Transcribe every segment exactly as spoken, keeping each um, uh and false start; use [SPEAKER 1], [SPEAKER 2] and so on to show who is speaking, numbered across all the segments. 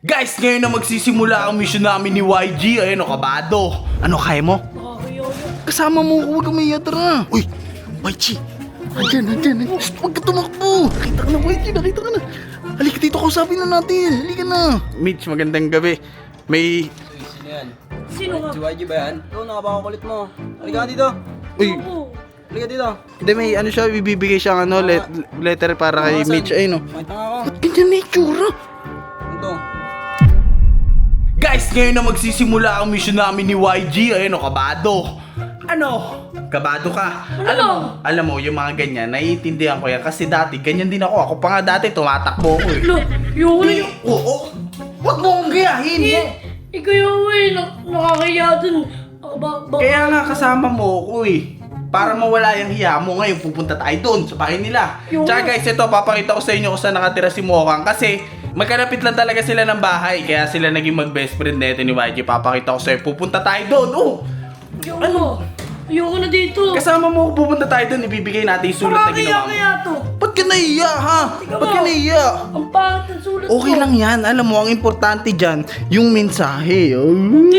[SPEAKER 1] Guys, ngayon na magsisimula ang mission namin ni Y G. Ayun o, kabado. Ano, kaya mo? Kasama mo, huwag kang maiya, tara. Uy, Y G. Andyan, andyan. Shh, huwag ka tumakbo. Nakita ka na, Y G, nakita ka na. Halika dito, kausapin na natin. Halika na. Mitch, magandang gabi. May...
[SPEAKER 2] Sino yan?
[SPEAKER 3] Sino nga?
[SPEAKER 2] Si Y G ba yan? Ikaw, nakapakakulit mo. Halika ka dito.
[SPEAKER 1] Uy,
[SPEAKER 2] Halika dito.
[SPEAKER 1] hindi, may ano siya, bibigay siyang ano, let, letter para kay Mitch. Ayun o.
[SPEAKER 2] Makita nga ako.
[SPEAKER 1] Ba't ganyan na itsura?
[SPEAKER 2] Ito.
[SPEAKER 1] Guys, ngayon na magsisimula ang mission namin ni Y G. Ayun o, kabado. Ano? Kabado ka. Alam mo, alam mo, yung mga ganyan, naiintindihan ko yan. Kasi dati, ganyan din ako. Ako pa nga dati, tumatakbo ko eh.
[SPEAKER 3] Lo, yung na yung...
[SPEAKER 1] Oo. Huwag mo akong gayahin.
[SPEAKER 3] Eh, ikaw yung eh, nak nakakaya dun. Ako ba, ba?
[SPEAKER 1] Kaya nga kasama mo ako eh. Para mawala yung hiya mo, ngayon pupunta tayo doon sa bahay nila.
[SPEAKER 3] Yung-
[SPEAKER 1] Tsaka guys, ito, papakita ko sa inyo kung saan nakatira si Mokang. Kasi magkalapit lang talaga sila ng bahay. Kaya sila naging mag-best friend na ito ni Y G. Papakita ko sa'yo, pupunta tayo doon. Oh,
[SPEAKER 3] Yung ano? Ayoko na dito.
[SPEAKER 1] kasama mo ako, pupunta tayo doon. Ibibigay natin yung sulat na ginawa mo.
[SPEAKER 3] Nakakaya to.
[SPEAKER 1] Ba't ka nahiya ha?
[SPEAKER 3] Ikaw
[SPEAKER 1] Ba't ka
[SPEAKER 3] ba?
[SPEAKER 1] nahiya?
[SPEAKER 3] Ang pangit ng sulat ko.
[SPEAKER 1] Okay lang yan. Alam mo, ang importante dyan, yung mensahe. Oh,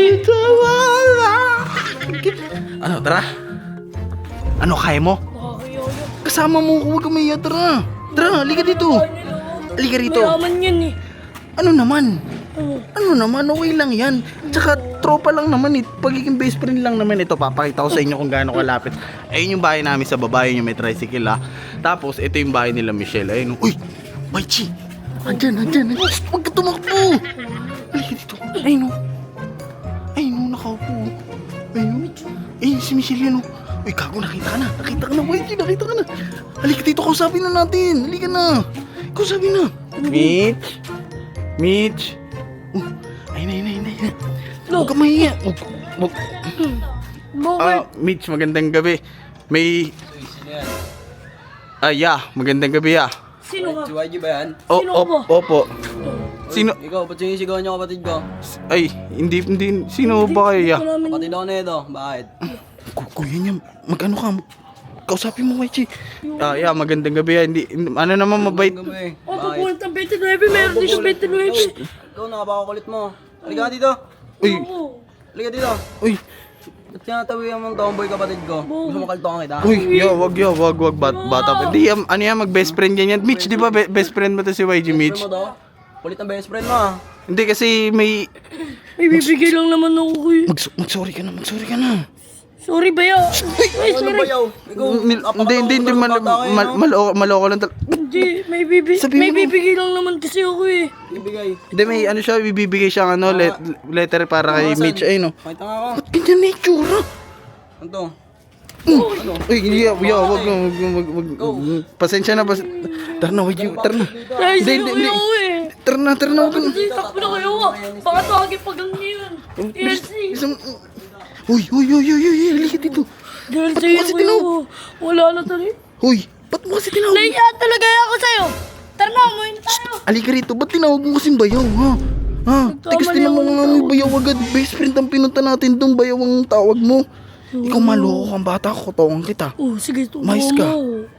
[SPEAKER 1] ano, tara? Ano, kaya mo?
[SPEAKER 3] Nakakaya yun.
[SPEAKER 1] Kasama mo, huwag kang maiya, tara. Tara, halika dito. Halika rito.
[SPEAKER 3] Mayaman yan eh.
[SPEAKER 1] Ano naman?
[SPEAKER 3] Ano?
[SPEAKER 1] Ano naman, okay lang yan. Tsaka tropa lang naman eh. Pagiging best friend lang naman ito. Papakita ko sa inyo kung gaano kalapit. Ayun yung bahay namin sa baba, yun yung may tricycle ha. Tapos ito yung bahay nila Michelle. Ayun. Uy! Y G! Andyan, andyan. Shh, huwag ka tumakbo! Halika dito. Ayun o. Ayun o, nakaupo. Ayun. Ayun si Michelle yan o. Uy, gago, nakita ka na. Nakita ka na, Y G, nakita ka na. Halika dito, kausapin na natin. Halika na. Kausapin na. Mitch? Mitch? Uh, ayun na, ayun na, ayun na, ayun na. Huwag ka mahiya. Huwag, huwag.
[SPEAKER 3] Bakit?
[SPEAKER 1] Ah, Mitch, magandang gabi. May...
[SPEAKER 2] Sino yan?
[SPEAKER 1] Ah, yeah, magandang gabi, ah.
[SPEAKER 3] Sino nga?
[SPEAKER 2] Si Y G ba yan?
[SPEAKER 1] O,
[SPEAKER 3] Sino
[SPEAKER 1] op,
[SPEAKER 3] ba?
[SPEAKER 1] opo.
[SPEAKER 2] Uy,
[SPEAKER 1] Sino?
[SPEAKER 2] Ikaw, ba't sinisigawan niyo kapatid ko?
[SPEAKER 1] Ay, hindi, hindi. Sino ba kayo, yeah?
[SPEAKER 3] Ito namin.
[SPEAKER 2] Kapatid ako na ito. Bakit?
[SPEAKER 1] Ku- Kuya niya, mag-ano ka? Kausapin mo, Y G. Ah, yeah, magandang gabi, ah. Hindi, ano naman, mabait.
[SPEAKER 2] Gabi.
[SPEAKER 3] Oh,
[SPEAKER 2] Bakit?
[SPEAKER 3] pupunta ng twenty-nine. Meron din siya twenty-nine.
[SPEAKER 2] Ikaw, nakapakakulit mo. Halika ka dito.
[SPEAKER 1] Uy,
[SPEAKER 2] Halika dito.
[SPEAKER 1] uy,
[SPEAKER 2] Ba't tinatawihan mong tomboy kapatid ko? Gusto mo kaltokan kita?
[SPEAKER 1] uy, yo, wag, yo, wag, wag, bat, bata pa. Hindi, um, ano yan, mag-best friend yan yan. Mitch, di ba, be- best friend mo to si Y G, Mitch?
[SPEAKER 2] Best friend mo to? Kulit ng best friend mo ah.
[SPEAKER 1] Hindi, kasi may...
[SPEAKER 3] May bibigay lang naman ako eh.
[SPEAKER 1] Mag- mag-sorry ka na, mag-sorry ka na.
[SPEAKER 3] Sorry ba ya? Ay,
[SPEAKER 2] Ano
[SPEAKER 3] sorry.
[SPEAKER 2] ba yaw? Ikaw,
[SPEAKER 1] Hindi, hindi, hindi, hindi, mal, mal, maloko, maloko lang talaga.
[SPEAKER 3] Hindi, may bibigay.
[SPEAKER 1] Sabihin
[SPEAKER 3] May
[SPEAKER 1] mo.
[SPEAKER 3] bibigay lang naman kasi ako eh.
[SPEAKER 2] Ibigay.
[SPEAKER 1] Hindi, may ano siya, bibigay siyang ano, let, letter para kay
[SPEAKER 2] Asan?
[SPEAKER 1] Mitch. Ayun o.
[SPEAKER 2] Makita nga ako.
[SPEAKER 1] Ba't ganyan na itsura?
[SPEAKER 2] Ano to?
[SPEAKER 1] Uy, yeah, yeah, wag, wag, wag, wag, wag, pasensya na, pas... Tara na, wag, tara na.
[SPEAKER 3] Ay,
[SPEAKER 1] Hindi,
[SPEAKER 3] sa'yo
[SPEAKER 1] hindi,
[SPEAKER 3] kayo
[SPEAKER 1] hindi.
[SPEAKER 3] eh.
[SPEAKER 1] Tara na, tara na, wag na.
[SPEAKER 3] Kasi takbo na kayo ah. Baka tawagin pag ang ngayon. Yes, eh.
[SPEAKER 1] Isang... Uy, uy, uy, uy, uy, halika dito.
[SPEAKER 3] Dahil
[SPEAKER 1] Ba't
[SPEAKER 3] sa'yo
[SPEAKER 1] mo kasi
[SPEAKER 3] kayo.
[SPEAKER 1] tinawag?
[SPEAKER 3] Wala na tali.
[SPEAKER 1] Uy, ba't mo kasi tinawag?
[SPEAKER 3] Naiya talaga ako sa'yo. Tara na, umuwi na tayo.
[SPEAKER 1] Halika rito, ba't tinawag mo kasing bayaw, ha? Ha? Tigas din
[SPEAKER 3] ako
[SPEAKER 1] mo
[SPEAKER 3] ng
[SPEAKER 1] nga may
[SPEAKER 3] tawag.
[SPEAKER 1] bayaw agad. Best friend ang pinunta natin doon, bayaw ang tawag mo. Ikaw maloko kang bata, kutokan kita.
[SPEAKER 3] Oh, sige, tumawa
[SPEAKER 1] Mais ka.
[SPEAKER 3] mo.